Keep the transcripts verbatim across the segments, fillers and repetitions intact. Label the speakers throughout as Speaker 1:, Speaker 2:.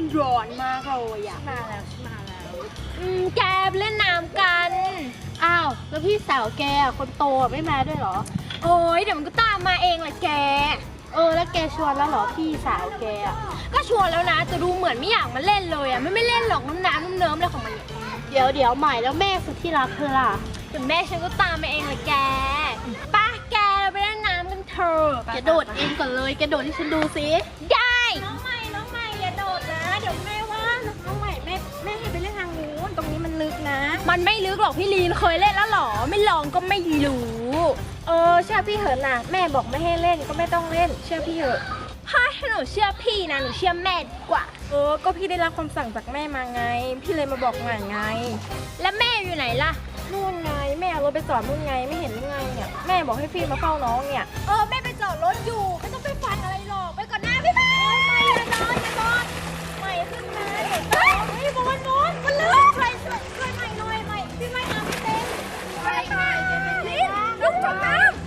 Speaker 1: ร้อนมากเลยอะมาแล้วมาแล้วอืมแกไปเล่นน้ำกันอ้าวแล้วพี่สาวแกคนโตไม่มาด้วยเหรอโอ้ยเดี๋ยวมันก็ตามมาเองแหละแกเออแล้วแกชวนแล้วเหรอพี่สาวแกก็ชวนแล้วนะแต่ดูเหมือนไม่อยากมาเล่นเลยอะไม่ไม่เล่นหรอกน้ำน้ำน้ำเนิ้มอะไรของมันเดี๋ยวเดี๋ยวใหม่แล้วแม่สุดที่รักเธอล่ะแต่แม่ฉันก็ตามมาเองแหละแกป้าแกเราไปเล่นน้ำกันเถอะแกโดดเองก่อนเลยแกโดดให้ฉันดูสิได้น้องใหม่น้องใหม่อย่าโดดนะเดี๋ยวแม่ว่าน้องใหม่แม่แม่ให้ไปเล่นทางนู้นตรงนี้มันลึกนะมันไม่ลึกหรอกพี่ลีนเคยเล่นแล้วหรอไม่ลองก็ไม่รู้เออเชื่อพี่เหินนะแม่บอกไม่ให้เล่นก็ไม่ต้องเล่นเชื่อพี่เถอะถ้าหนูเชื่อพี่นะหนูเชื่อแม่ดีกว่าเออก็พี่ได้รับคำสั่งจากแม่มาไงพี่เลยมาบอกหน่อยไงแล้วแม่อยู่ไหนล่ะนู่นไงแม่เอารถไปจอดนู่นไงไม่เห็นหรือไงเนี่ยแม่บอกให้พี่มาเฝ้าน้องเนี่ยเออแม่ไปจอดรถอยู่ไม่ต้องไปฟังอะไรหรอกไปก่อนหน้าพี่แม่ไม่อย่านอนอย่านอนใหม่ขึ้นมาเฮ้ยเฮ้ยบอกว่านอนมันลึกช่วยช่วยช่วยใหม่หน่อยใหม่พี่ไม่เอาไม่เต็มไปค่ะลิ้นลุกจมน้ำ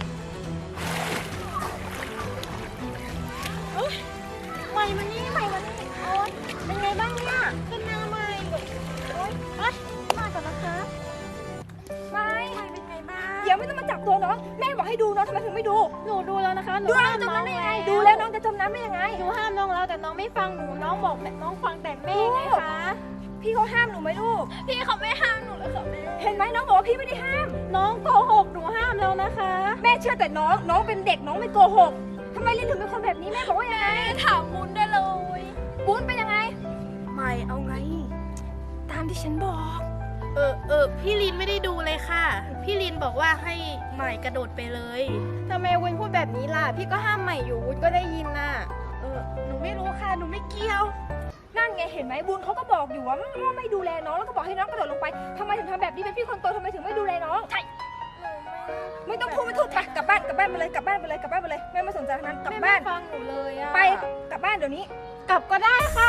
Speaker 1: เอ้ยใหม่มานี่ใหม่มานี่โอ๊ยเป็นไงบ้างเนี่ยขึ้นมาใหม่โอ๊ยเอ้ยมาก่อนนะคะไม่เป็นไงบ้างเดี๋ยวไม่ต้องมาจับตัวน้องแม่บอกให้ดูน้องทำไมถึงไม่ดูหนูดูแล้วนะคะดูแล้วจมน้ำได้ยังไงดูแล้วน้องจะจมน้ำได้ยังไงหนูห้ามน้องแล้วแต่น้องไม่ฟังหนูน้องบอกแต่น้องฟังแต่แม่ไงคะพี่เขาห้ามหนูไหมลูกพี่เขาไม่ห้ามหนูเลยค่ะแม่เห็นไหมน้องบอกว่าพี่ไม่ได้ห้ามน้องโกหกหนูห้ามแล้วนะคะแม่เชื่อแต่น้องน้องเป็นเด็กน้องไม่โกหกทำไมลินถึงเป็นคนแบบนี้แม่บอกว่ายังไงถามบุญได้เลยบุญเป็นยังไงไม่เอาไงตามที่ฉันบอก
Speaker 2: เออเออพี่ลินไม่ได้ดูเลยค่ะพี่ลินบอกว่าให้ใหม่กระโดดไปเลย
Speaker 1: ทำไมวุ้นพูดแบบนี้ล่ะพี่ก็ห้ามใหม่อยู่วุ้นก็ได้ยินน่ะ
Speaker 2: เออหนูไม่รู้ค่ะหนูไม่เกี่ยว
Speaker 1: นั่นไงเห็นไหมบุญเขาก็บอกอยู่ว่าว่าไม่ดูแลน้องแล้วก็บอกให้น้องกระโดดลงไปทำไมถึงทำแบบนี้เป็นพี่คนโตทำไมถึงไม่ดูแลน้องใช่ไม่ต้องพูดไม่ถูกค่ะกลับบ้านกลับบ้านไปเลยกลับบ้านไปเลยกลับบ้านไปเลยแม่ไม่สนใจทั้งนั้นกลับบ้าน
Speaker 2: ฟังหนูเลยอะ
Speaker 1: ไปกลับบ้านเดี๋ยวนี้กลับก็ได้ค่ะ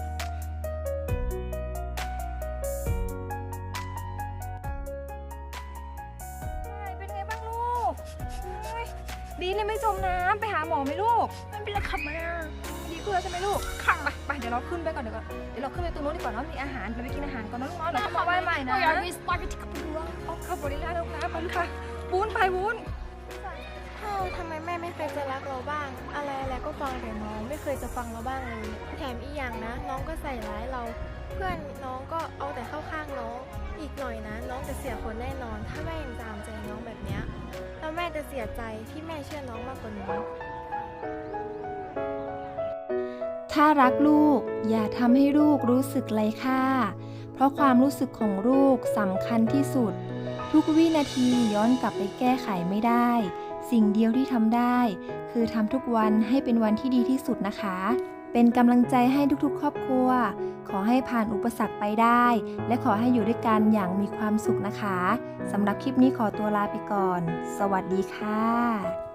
Speaker 1: เป็นไงบ้างลูกดีเนี่ยไม่จมน้ำไปหาหมอไหมลูก
Speaker 2: มันเป็นอะไรขับมา
Speaker 1: ดีขึ้นแล้วใช่ไหมลูกค่ะไปไปเดี๋ยวเราขึ้นไปก่อนเดี๋ยวก่อนเดี๋ยวเราขึ้นไปตรงนู้นดีกว่าเนาะมีอาหารเราไปกินอาหารก่อนนะลูกเนาะเดี๋ยวมาไหว้ใหม่นะ
Speaker 2: อยากมีสปาเกตตี้กับบัว
Speaker 1: เอาข้าวบริลาลูกนะไปค่ะวุ้นไปวุ้น
Speaker 2: ทำไมแม่ไม่เคยจะรักเราบ้างอะไรอะไรก็ฟังแต่น้องไม่เคยจะฟังเราบ้างเลยแถมอีกอย่างนะน้องก็ใส่ร้ายเราเพื่อนน้องก็เอาแต่เข้าข้างน้องอีกหน่อยนะน้องจะเสียคนแน่นอนถ้าแม่ยังตามใจน้องแบบเนี้ยแล้วแม่จะเสียใจที่แม่เชื่อน้องมากกว่านี้
Speaker 3: ถ้ารักลูกอย่าทำให้ลูกรู้สึกไร้ค่าเพราะความรู้สึกของลูกสำคัญที่สุดทุกวินาทีย้อนกลับไปแก้ไขไม่ได้สิ่งเดียวที่ทำได้คือทำทุกวันให้เป็นวันที่ดีที่สุดนะคะเป็นกำลังใจให้ทุกๆครอบครัวขอให้ผ่านอุปสรรคไปได้และขอให้อยู่ด้วยกันอย่างมีความสุขนะคะสำหรับคลิปนี้ขอตัวลาไปก่อนสวัสดีค่ะ